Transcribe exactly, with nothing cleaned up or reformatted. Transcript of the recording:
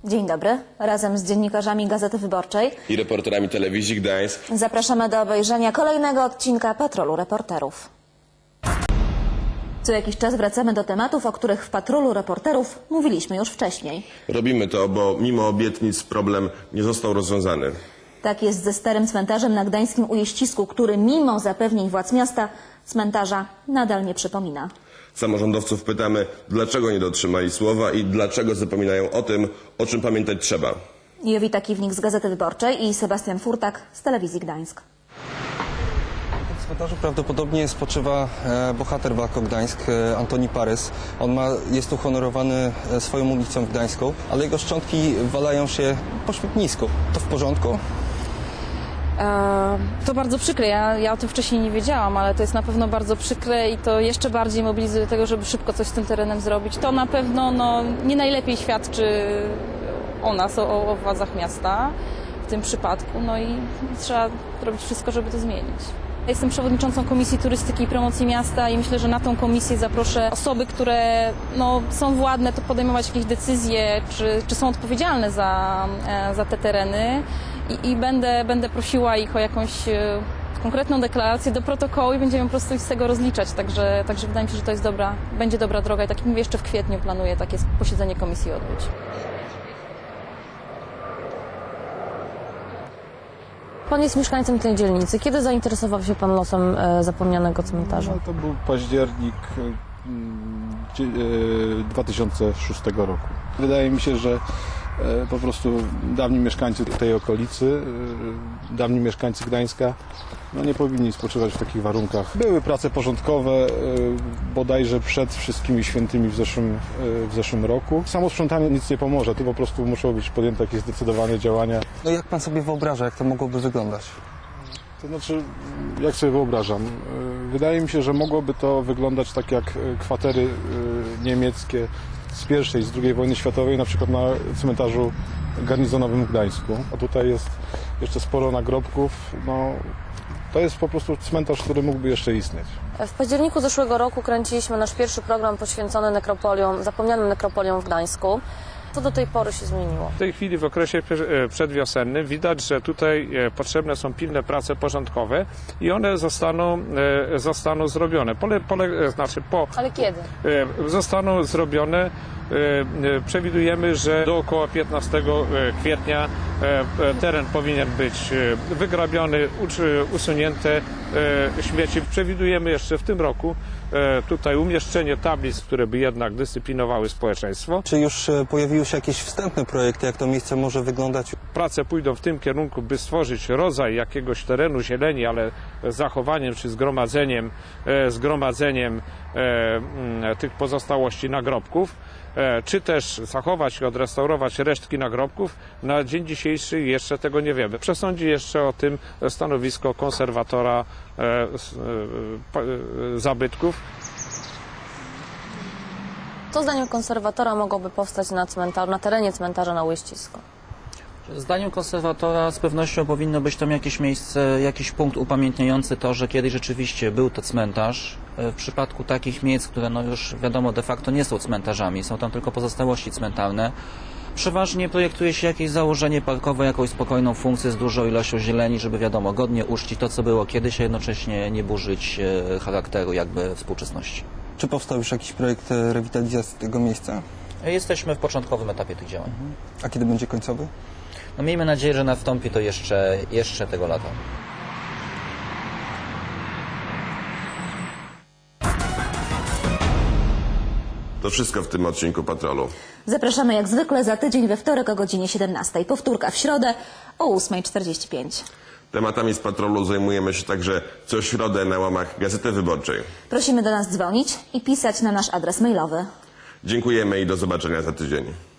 Dzień dobry. Razem z dziennikarzami Gazety Wyborczej i reporterami Telewizji Gdańsk zapraszamy do obejrzenia kolejnego odcinka Patrolu Reporterów. Co jakiś czas wracamy do tematów, o których w Patrolu Reporterów mówiliśmy już wcześniej. Robimy to, bo mimo obietnic problem nie został rozwiązany. Tak jest ze starym cmentarzem na gdańskim Ujeścisku, który mimo zapewnień władz miasta cmentarza nadal nie przypomina. Samorządowców pytamy, dlaczego nie dotrzymali słowa i dlaczego zapominają o tym, o czym pamiętać trzeba. Jowita Kiwnik z Gazety Wyborczej i Sebastian Furtak z Telewizji Gdańsk. W cmentarzu prawdopodobnie spoczywa e, bohater walk Gdańsk, e, Antoni Parys. On ma, jest uhonorowany e, swoją ulicą gdańską, ale jego szczątki walają się po śmietnisku. To w porządku? To bardzo przykre. Ja, ja o tym wcześniej nie wiedziałam, ale to jest na pewno bardzo przykre i to jeszcze bardziej mobilizuje do tego, żeby szybko coś z tym terenem zrobić. To na pewno no, nie najlepiej świadczy o nas, o, o władzach miasta w tym przypadku. No i trzeba robić wszystko, żeby to zmienić. Jestem przewodniczącą Komisji Turystyki i Promocji Miasta i myślę, że na tą komisję zaproszę osoby, które no, są władne to podejmować jakieś decyzje, czy, czy są odpowiedzialne za, za te tereny. I, i będę, będę prosiła ich o jakąś e, konkretną deklarację do protokołu i będziemy po prostu ich z tego rozliczać. Także, także wydaje mi się, że to jest dobra, będzie dobra droga i tak jak mówię, jeszcze w kwietniu planuję takie posiedzenie komisji odbyć. Pan jest mieszkańcem tej dzielnicy. Kiedy zainteresował się pan losem e, zapomnianego cmentarza? No, to był październik e, dwa tysiące szóstego roku. Wydaje mi się, że e, po prostu dawni mieszkańcy tej okolicy, e, dawni mieszkańcy Gdańska no, nie powinni spoczywać w takich warunkach. Były prace porządkowe e, bodajże przed wszystkimi świętymi w zeszłym, e, w zeszłym roku. Samo sprzątanie nic nie pomoże, tu po prostu muszą być podjęte jakieś zdecydowane działania. No jak pan sobie wyobraża, jak to mogłoby wyglądać? To znaczy, jak sobie wyobrażam, wydaje mi się, że mogłoby to wyglądać tak jak kwatery niemieckie z pierwszej, z drugiej wojny światowej, na przykład na cmentarzu garnizonowym w Gdańsku. A tutaj jest jeszcze sporo nagrobków. No, to jest po prostu cmentarz, który mógłby jeszcze istnieć. W październiku zeszłego roku kręciliśmy nasz pierwszy program poświęcony nekropoliom, zapomnianym nekropoliom w Gdańsku. Co do tej pory się zmieniło? W tej chwili w okresie przedwiosennym widać, że tutaj potrzebne są pilne prace porządkowe i one zostaną, zostaną zrobione. Pole, pole, znaczy po, Ale kiedy? Zostaną zrobione. Przewidujemy, że do około piętnastego kwietnia teren powinien być wygrabiony, usunięte śmieci. Przewidujemy jeszcze w tym roku tutaj umieszczenie tablic, które by jednak dyscyplinowały społeczeństwo. Czy już pojawiły się jakieś wstępne projekty, jak to miejsce może wyglądać? Prace pójdą w tym kierunku, by stworzyć rodzaj jakiegoś terenu zieleni, ale z zachowaniem czy zgromadzeniem, zgromadzeniem tych pozostałości nagrobków, czy też zachować i odrestaurować resztki nagrobków. Na dzień dzisiejszy jeszcze tego nie wiemy. Przesądzi jeszcze o tym stanowisko konserwatora zabytków. Co zdaniem konserwatora mogłoby powstać na cmentarzu, na terenie cmentarza na Ujeścisku? Zdaniem konserwatora z pewnością powinno być tam jakieś miejsce, jakiś punkt upamiętniający to, że kiedyś rzeczywiście był to cmentarz. W przypadku takich miejsc, które no już wiadomo de facto nie są cmentarzami, są tam tylko pozostałości cmentarne, przeważnie projektuje się jakieś założenie parkowe, jakąś spokojną funkcję z dużą ilością zieleni, żeby wiadomo, godnie uczcić to, co było kiedyś, a jednocześnie nie burzyć charakteru jakby współczesności. Czy powstał już jakiś projekt rewitalizacji tego miejsca? Jesteśmy w początkowym etapie tych działań. A kiedy będzie końcowy? No miejmy nadzieję, że nastąpi to jeszcze, jeszcze tego lata. To wszystko w tym odcinku Patrolu. Zapraszamy jak zwykle za tydzień we wtorek o godzinie siedemnastej. Powtórka w środę o ósma czterdzieści pięć. Tematami z Patrolu zajmujemy się także co środę na łamach Gazety Wyborczej. Prosimy do nas dzwonić i pisać na nasz adres mailowy. Dziękujemy i do zobaczenia za tydzień.